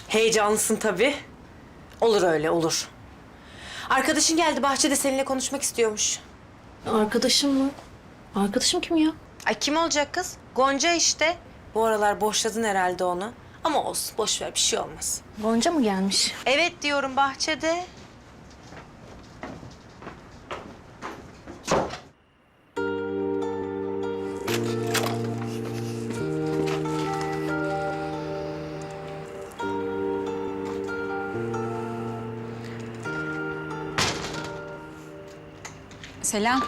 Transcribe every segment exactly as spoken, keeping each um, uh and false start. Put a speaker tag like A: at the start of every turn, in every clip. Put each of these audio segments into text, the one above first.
A: Heyecanlısın tabii. Olur öyle, olur. Arkadaşın geldi, bahçede seninle konuşmak istiyormuş.
B: Arkadaşım mı? Arkadaşım kim ya?
A: Ay kim olacak kız? Gonca işte. Bu aralar boşladın herhalde onu. Ama olsun, boş ver, bir şey olmaz.
B: Gonca mı gelmiş?
A: Evet diyorum, bahçede.
C: Selam.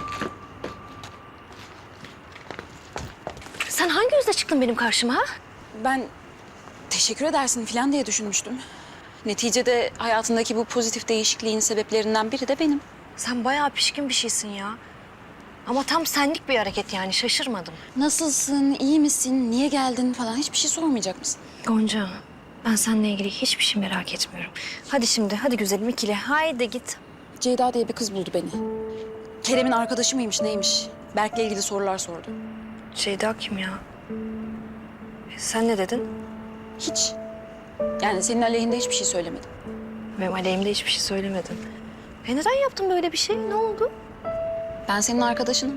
B: Sen hangi yüzle çıktın benim karşıma ha?
C: Ben teşekkür edersin falan diye düşünmüştüm. Neticede hayatındaki bu pozitif değişikliğin sebeplerinden biri de benim.
B: Sen bayağı pişkin bir şeysin ya. Ama tam senlik bir hareket yani, şaşırmadım.
C: Nasılsın, iyi misin, niye geldin falan hiçbir şey sormayacak mısın?
B: Gonca, ben seninle ilgili hiçbir şey merak etmiyorum. Hadi şimdi, hadi güzelim ikili. Haydi git.
C: Ceyda diye bir kız buldu beni. Kerem'in arkadaşı mıymış, neymiş? Berk'le ilgili sorular sordu.
B: Ceyda kim ya? Sen ne dedin?
C: Hiç. Yani senin aleyhinde hiçbir şey söylemedim.
B: Benim aleyhimde hiçbir şey söylemedin. E neden yaptın böyle bir şey? Ne oldu?
C: Ben senin arkadaşınım.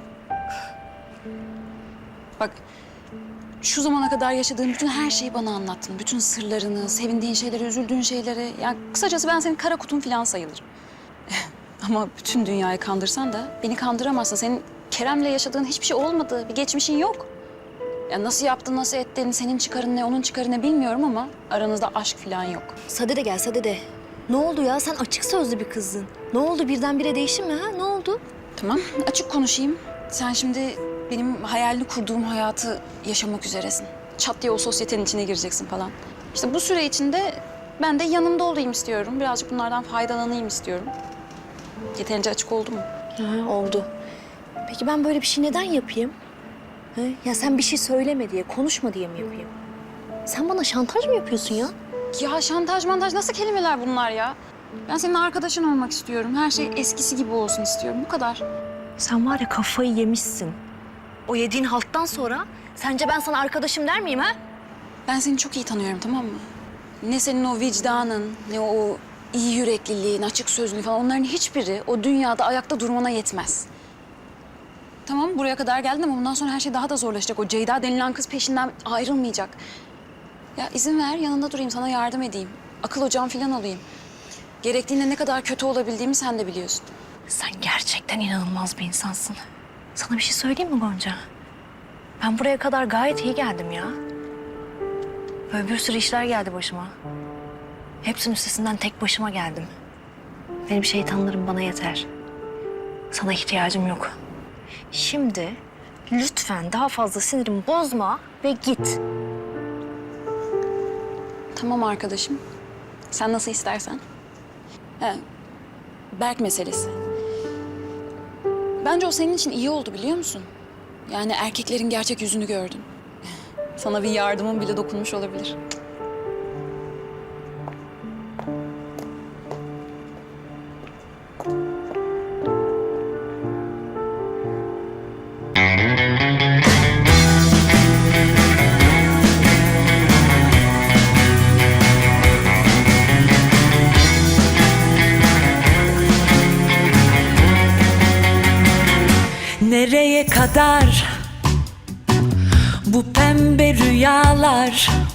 C: Bak, şu zamana kadar yaşadığın bütün her şeyi bana anlattın. Bütün sırlarını, sevindiğin şeyleri, üzüldüğün şeyleri. Yani kısacası ben senin kara kutun falan sayılırım. Ama bütün dünyayı kandırsan da beni kandıramazsın. Senin Kerem'le yaşadığın hiçbir şey olmadı. Bir geçmişin yok. Ya nasıl yaptın, nasıl ettin, senin çıkarın ne, onun çıkarı ne bilmiyorum ama aranızda aşk falan yok.
B: Sade de gel, Sade de. Ne oldu ya? Sen açık sözlü bir kızdın. Ne oldu? Birdenbire değiştin mi ha? Ne oldu?
C: Tamam, açık konuşayım. Sen şimdi benim hayalini kurduğum hayatı yaşamak üzeresin. Çat diye o sosyetenin içine gireceksin falan. İşte bu süre içinde ben de yanında olayım istiyorum. Birazcık bunlardan faydalanayım istiyorum. Yeterince açık oldu mu?
B: Ha, oldu. Peki ben böyle bir şey neden yapayım? He? Ya sen bir şey söyleme diye, konuşma diye mi yapayım? Sen bana şantaj mı yapıyorsun ya?
C: Ya şantaj mantaj nasıl kelimeler bunlar ya? Ben senin arkadaşın olmak istiyorum. Her şey eskisi gibi olsun istiyorum. Bu kadar.
B: Sen var ya kafayı yemişsin. O yediğin halttan sonra sence ben sana arkadaşım der miyim ha?
C: Ben seni çok iyi tanıyorum, tamam mı? Ne senin o vicdanın, ne o iyi yürekliliğin, açık sözlülüğün falan onların hiçbiri o dünyada ayakta durmana yetmez. Tamam, buraya kadar geldin ama bundan sonra her şey daha da zorlaşacak. O Ceyda denilen kız peşinden ayrılmayacak. Ya izin ver, yanında durayım, sana yardım edeyim. Akıl hocam falan olayım. Gerektiğinde ne kadar kötü olabildiğimi sen de biliyorsun.
B: Sen gerçekten inanılmaz bir insansın. Sana bir şey söyleyeyim mi Gonca? Ben buraya kadar gayet iyi geldim ya. Böyle bir sürü işler geldi başıma. Hepsinin üstesinden tek başıma geldim. Benim şeytanlarım bana yeter. Sana ihtiyacım yok. Şimdi lütfen daha fazla sinirimi bozma ve git.
C: Tamam arkadaşım. Sen nasıl istersen. He, Berk meselesi. Bence o senin için iyi oldu biliyor musun? Yani erkeklerin gerçek yüzünü gördün. Sana bir yardımın bile dokunmuş olabilir.
D: Nereye kadar bu pembe rüyalar?